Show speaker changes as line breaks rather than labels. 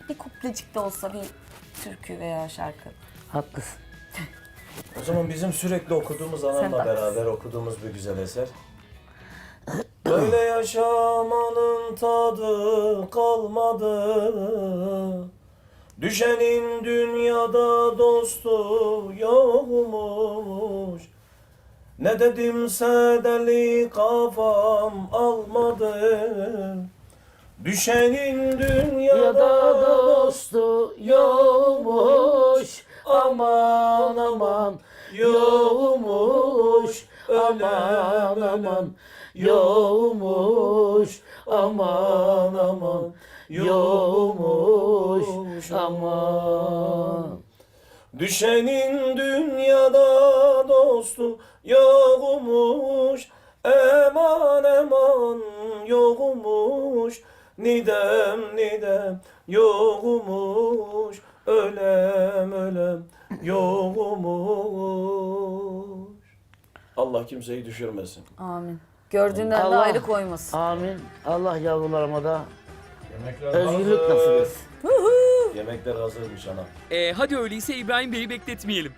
bir kuplecik de olsa bir türkü veya şarkı.
Haklısın.
O zaman bizim sürekli okuduğumuz
Sen
anamla
de
beraber okuduğumuz bir güzel eser. Böyle yaşamanın tadı kalmadı. Düşenin dünyada dostu yokmuş. Ne dedimse deli kafam almadı. Düşenin dünyada
Ya da
dostu
dostu yokmuş. Aman aman yokmuş. Aman aman yokmuş. Aman aman yokmuş. Aman.
Düşenin dünyada dostu yokmuş. Eman eman yokmuş. Nidem nidem yokmuş. Ölem ölem yokmuş. Allah kimseyi düşürmesin.
Amin. Gördüğünden de
Allah-
ayrı koymasın.
Amin. Allah yavrularıma da
Yemekler
özgürlük nasip etsin.
Yemekler hazırmış ana.
Hadi öyleyse İbrahim Bey'i bekletmeyelim.